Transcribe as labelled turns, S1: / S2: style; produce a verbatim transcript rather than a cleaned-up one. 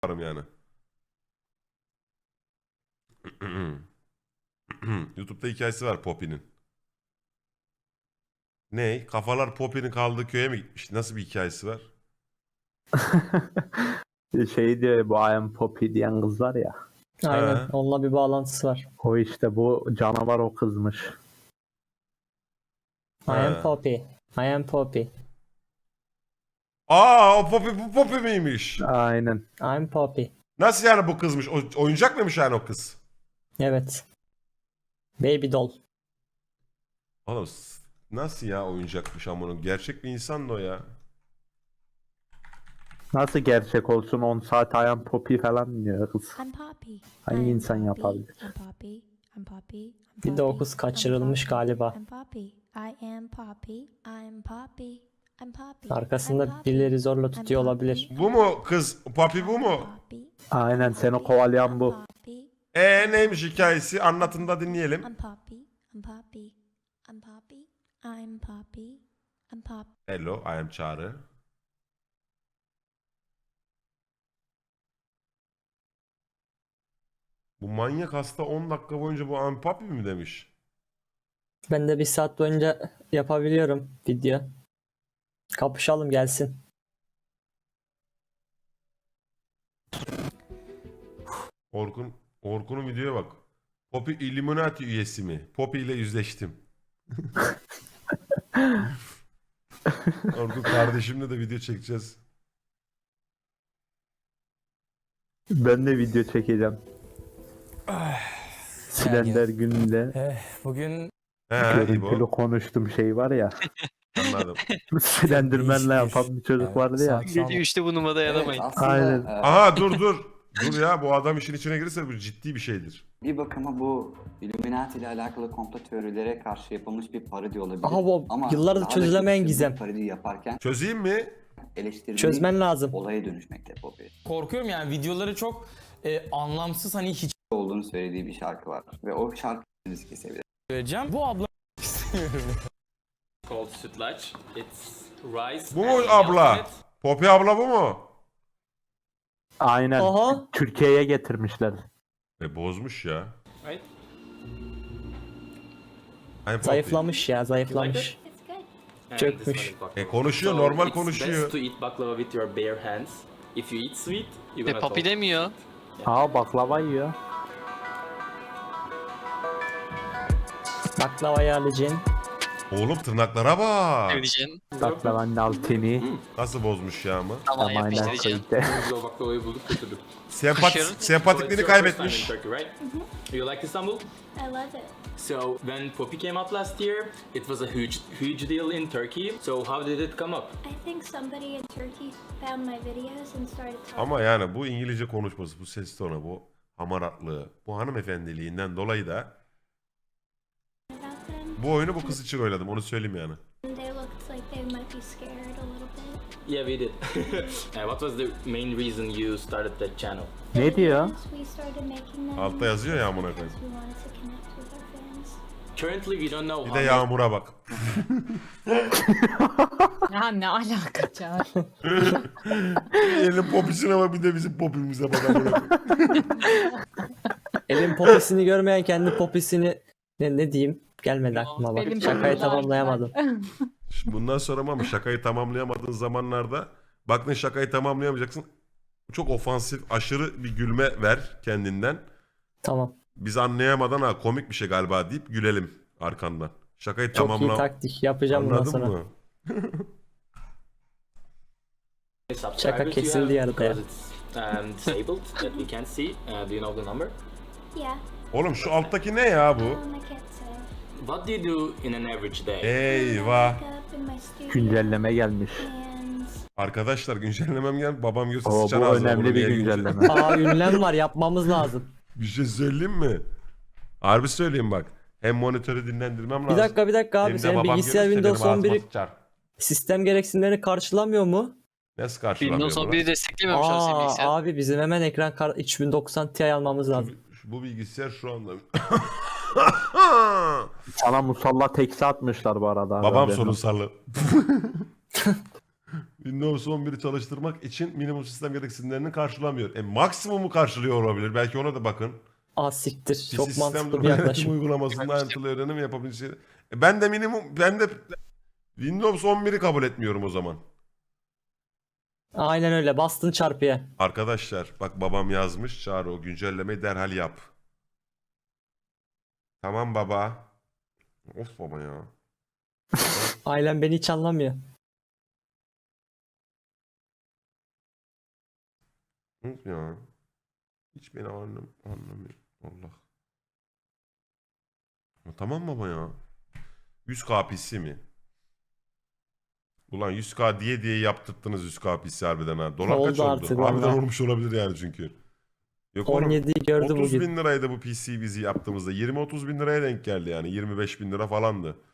S1: yaparım yani. YouTube'da hikayesi var Poppy'nin. Ne? Kafalar Poppy'nin kaldığı köye mi gitmiş? Nasıl bir hikayesi var?
S2: Şey diyor bu I am Poppy diyen kız var ya.
S3: Aynen.
S1: Ha.
S3: Onunla bir bağlantısı var.
S2: O işte bu canavar o kızmış.
S3: I am
S1: Ha.
S3: Poppy. I am Poppy.
S1: Aa, o Poppy bu Poppy miymiş?
S2: Aynen.
S3: I am Poppy.
S1: Nasıl yani bu kızmış? O, oyuncak mıymış yani o kız?
S3: Evet. Baby doll.
S1: Oğlum s- nasıl ya oyuncakmış ama gerçek bir insan da o ya.
S2: Nasıl gerçek olsun on saat I am Poppy falan diyor kız.
S4: I'm Poppy.
S2: Hangi
S4: I am
S2: insan
S4: Poppy.
S2: yapabilir?
S4: I'm Poppy. I'm Poppy. I'm
S3: Bir de o
S4: Poppy.
S3: kız
S4: I'm
S3: kaçırılmış
S4: Poppy.
S3: galiba.
S4: I'm Poppy. I am Poppy. I'm Poppy. I'm Poppy. I'm
S3: Arkasında
S4: Poppy.
S3: birileri zorla
S4: I'm
S3: tutuyor
S4: Poppy.
S3: olabilir.
S1: Bu mu kız? Poppy bu mu?
S4: Poppy.
S2: Aynen seni kovalayan bu.
S4: Poppy.
S1: E neymiş hikayesi? Anlatın da dinleyelim.
S4: I'm Poppy. I'm Poppy. I'm Poppy. I'm Poppy. I'm Poppy.
S1: Hello, I am Çağrı. Bu manyak hasta on dakika boyunca bu I am Poppy mi demiş?
S3: Ben de bir saat boyunca yapabiliyorum video. Kapışalım gelsin.
S1: Orkun, Orkun'un videoya bak. Poppy Illuminati üyesi mi? Poppy ile yüzleştim. Orkun kardeşimle de video çekeceğiz.
S2: Ben de video çekeceğim. Slender gününde
S5: Eh, bugün
S1: He
S2: görüntülü
S1: İbo.
S2: konuştum şey var ya.
S1: Anladım.
S2: Slenderman'la yapan bir çocuk
S5: Evet,
S2: vardı ya.
S5: sağ- sağ-
S6: Gece üçte bu numara dayanamayın.
S7: Evet, aslında,
S2: Aynen.
S7: e,
S1: Aha dur dur. Dur ya bu adam işin içine girirse bu ciddi bir şeydir.
S7: bir bakıma bu Illuminati ile alakalı komplo teorilere karşı yapılmış bir parodi olabilir.
S3: Aha bu
S7: Ama
S3: yıllardır
S7: daha da
S3: çözülemeyen
S7: kötüsü,
S3: gizem.
S7: bu parodi yaparken
S1: Çözeyim mi?
S7: eleştirdiği
S3: Çözmen lazım.
S7: olaya dönüşmekte Poppy.
S5: korkuyorum yani videoları çok e, anlamsız, hani hiç
S7: Olduğunu söylediği bir şarkı var. Ve o şarkı risk kesebilir.
S5: vereceğim. Bu abla
S6: Called sütlaç. It's rice.
S1: Bu mu
S6: and
S1: abla?
S6: milk in it.
S1: Poppy abla bu mu?
S2: Aynen.
S3: Aha.
S2: Türkiye'ye getirmişler.
S1: E bozmuş ya.
S6: Right?
S1: I'm Poppy.
S3: Zayıflamış ya zayıflamış.
S4: It's good.
S6: And
S3: Çökmüş.
S6: this one is baklava.
S1: E konuşuyor,
S6: So
S1: normal
S6: it's
S1: konuşuyor.
S6: best to eat baklava with your bare hands. If you eat sweet, you're
S8: E
S6: gonna
S8: papi
S6: talk.
S8: demiyor.
S2: Aa baklava yiyor.
S3: Baklavayı alacaksın.
S1: Oğlum tırnaklara bak.
S8: Söyleyeceksin.
S2: Baklavanın altını.
S1: Nasıl bozmuş ya ama.
S8: Tamam
S2: Aynen
S8: yapıştıracaksın.
S2: koydu.
S6: Biz o baklavayı bulduk götürdük.
S1: Sempat
S8: Kaşarın-
S6: So it's
S1: sempatikliğini
S6: your first time in
S1: kaybetmiş.
S6: Turkey, right? You like Istanbul?
S4: I love it.
S6: So when Poppy came out last year, it was a huge, huge deal in Turkey. So how did it come up?
S4: I think somebody in Turkey found my videos and started talking
S1: Ama yani bu İngilizce konuşması, bu ses tonu, bu hamaratlığı, bu hanımefendiliğinden dolayı da
S4: about them.
S1: bu oyunu bu kız için oynadım. Onu söyleyeyim yani.
S4: And they looked like they might be scared a little bit.
S6: Yeah, we did. Uh, what was the main reason you started that channel?
S2: Ne diyor?
S4: We started making them
S1: Altta yazıyor ya amına koyayım.
S4: because we wanted to connect with our fans.
S6: Currently, we don't know
S1: Bir
S6: how
S1: de
S6: many-
S1: Yağmur'a bak.
S9: Ya ne alaka Çağrı?
S1: Elin popisine bak bir de bizim popimize bak. amına koyayım.
S3: Elin popisini görmeyen kendi popisini ne, ne diyeyim gelmedi aklıma bak.
S9: Benim
S3: Şakayı
S9: popim
S3: tamamlayamadım.
S1: Şimdi bundan sonra ama şakayı tamamlayamadığın zamanlarda baktın şakayı tamamlayamayacaksın. Çok ofansif, aşırı bir gülme ver kendinden.
S3: Tamam.
S1: Biz anlayamadan ha komik bir şey galiba deyip gülelim arkandan. Şakayı
S3: Çok iyi
S1: tamamla.
S3: taktik yapacağım bundan
S1: Anladın
S3: sonra.
S1: mı?
S6: subscribers
S3: Şaka
S6: you
S3: kesildi
S6: have?
S3: yarıda ya.
S6: Because it's um, disabled that we can't see. Uh, do you know the number?
S4: Yeah.
S1: Oğlum şu alttaki ne ya bu?
S4: Um, I can't say.
S6: What do you do in an average day?
S1: Eyvah.
S4: Wake up in my studio
S2: Güncelleme gelmiş.
S4: and
S1: Arkadaşlar güncellemem gel. Babam görse
S2: Oo,
S1: sıçan
S2: bu
S1: ağzına
S2: önemli
S1: bunu
S2: bir
S1: niye güncel-
S2: güncelleme.
S3: Aa ünlem var yapmamız lazım.
S1: Bir şey söyleyeyim mi? Harbi söyleyeyim bak. Hem monitörü dinlendirmem lazım.
S3: Bir dakika bir dakika
S1: hem
S3: abi
S1: de
S3: senin
S1: babam
S3: bilgisayar
S1: görürse
S3: Windows
S1: benim ağzıma
S3: on bir
S1: sıçar.
S3: sistem gereksinimlerini karşılamıyor mu?
S1: Nasıl karşılamıyor
S8: Windows on
S1: bunu?
S8: biri desteklemiyormuş abi senin
S3: Aa
S8: bilgisayar.
S3: abi bizim hemen ekran kar üç bin doksan Ti almamız lazım.
S1: Şu- Bu bilgisayar şu anda.
S2: Sana musallat eksi atmışlar bu arada.
S1: Babam
S2: Haberin olsun.
S1: sorunsalı. Windows on bir'i çalıştırmak için minimum sistem gereksinimlerini karşılamıyor. E maksimumu karşılıyor olabilir. Belki ona da bakın.
S3: Ah siktir.
S1: Bir
S3: Çok
S1: sistem
S3: mantıklı bir
S1: durma yönetim
S3: yaklaşım.
S1: uygulamasında ayrıntılı öğrenim yapabileceği. E ben de minimum ben de Windows on bir'i kabul etmiyorum o zaman.
S3: Aynen öyle. Bastın çarpıya.
S1: Arkadaşlar bak babam yazmış. Çağrı o güncellemeyi derhal yap. Tamam baba. Of baba ya.
S3: Ailem beni hiç anlamıyor.
S1: Of ya. Hiç beni anlam anlamıyor. Allah. Ya tamam baba ya. yüz K P C mi? Ulan yüz K diye diye yaptırttınız yüz K P C harbiden ha. Dolar
S3: Oldu
S1: kaç oldu?
S3: artık
S1: Harbiden
S3: valla.
S1: olmuş olabilir yani çünkü. Yok oğlum,
S3: on yediyi gördü
S1: otuz
S3: bugün.
S1: bin liraydı bu P C bizi yaptığımızda. yirmi otuz bin liraya denk geldi yani. yirmi beş bin lira falandı.